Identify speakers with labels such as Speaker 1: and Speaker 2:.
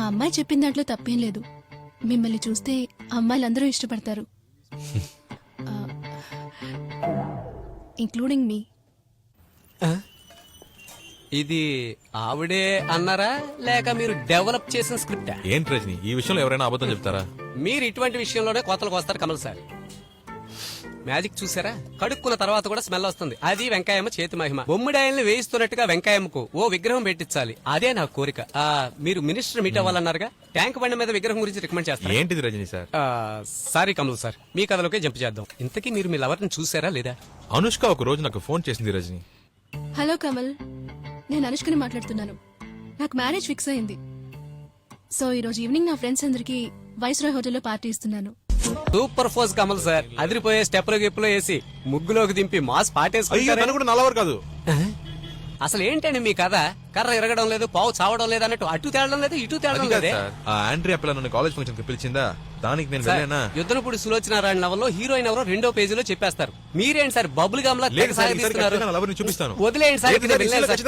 Speaker 1: అమ్మాయి చెప్పిన దాంట్లో తప్పేం లేదు. మిమ్మల్ని చూస్తే అమ్మాయిలందరూ ఇష్టపడతారు, ఇంక్లూడింగ్ మీ.
Speaker 2: ఇది ఆవిడే అన్నారా లేక మీరు డెవలప్ చేసిన స్క్రిప్టా?
Speaker 3: ఏంటి రజని, ఈ విషయంలో ఎవరైనా అబద్ధం చెప్తారా?
Speaker 2: మీరు ఇటువంటి విషయంలోనే కోతలకు వస్తారు కమల్ సార్. మ్యాజిక్ చూసారా? కడుక్కున్న తర్వాత కూడా స్మెల్ వస్తుంది. అది వెంకాయమ్మ చేతి మహిమ. బొమ్మిడాయల్ని వేయిస్తున్నట్టుగా వెంకాయమ్మకు ఓ విగ్రహం పెట్టించాలి, అదే నా కోరిక. మీరు మినిస్టర్ మీట్ అవ్వాలన్నారుగా, ట్యాంక్ బండి మీద విగ్రహం గురించి రికమెండ్ చేస్తారు.
Speaker 3: ఏంటిది Rajini sir?
Speaker 2: Sorry Kamal sir, మీ కథలోకే జంప్ చేద్దాం. ఇంతకీ మీరు మీ లవర్ని చూసారా లేదా?
Speaker 3: అనుష్క ఒక రోజు నాకు ఫోన్ చేసింది రజని.
Speaker 1: హలో కమల్, నేను అనుష్కని మాట్లాడుతున్నాను. నాకు మ్యారేజ్ ఫిక్స్ అయింది. సో ఈ రోజు ఈవినింగ్ నా ఫ్రెండ్స్ అందరికి వైస్రాయ్ హోటల్లో పార్టీ ఇస్తున్నాను.
Speaker 2: సూపర్ ఫోర్స్ కమల్ సార్, అదిరిపోయే స్టెప్లో గిప్పులో వేసి ముగ్గులోకి దింపి మాస్ పాటేసుకుంటారు.
Speaker 3: కూడా నల్లవరు కాదు.
Speaker 2: అసలు ఏంటండి మీ కథ? కర్ర ఎరగడం లేదు, పావు చావడం లేదు అన్నట్టు, అటు తేలడం లేదు ఇటు తేలడం లేదే.
Speaker 3: ఆ ఆండ్రియా పిల్ల నన్ను కాలేజ్ ఫంక్షన్ కి పిలిచిందా, దానికి నేను వెళ్ళానా?
Speaker 2: యుద్ధనపుడు సులోచనారాయణ నవల్లో హీరోయిన్ ఎవరో 2వ పేజీలో చెప్పేస్తారు. మీరేంటి సార్ బబుల్ గమ్ లా
Speaker 3: చూపిస్తాను.
Speaker 2: వదిలేయండి సార్.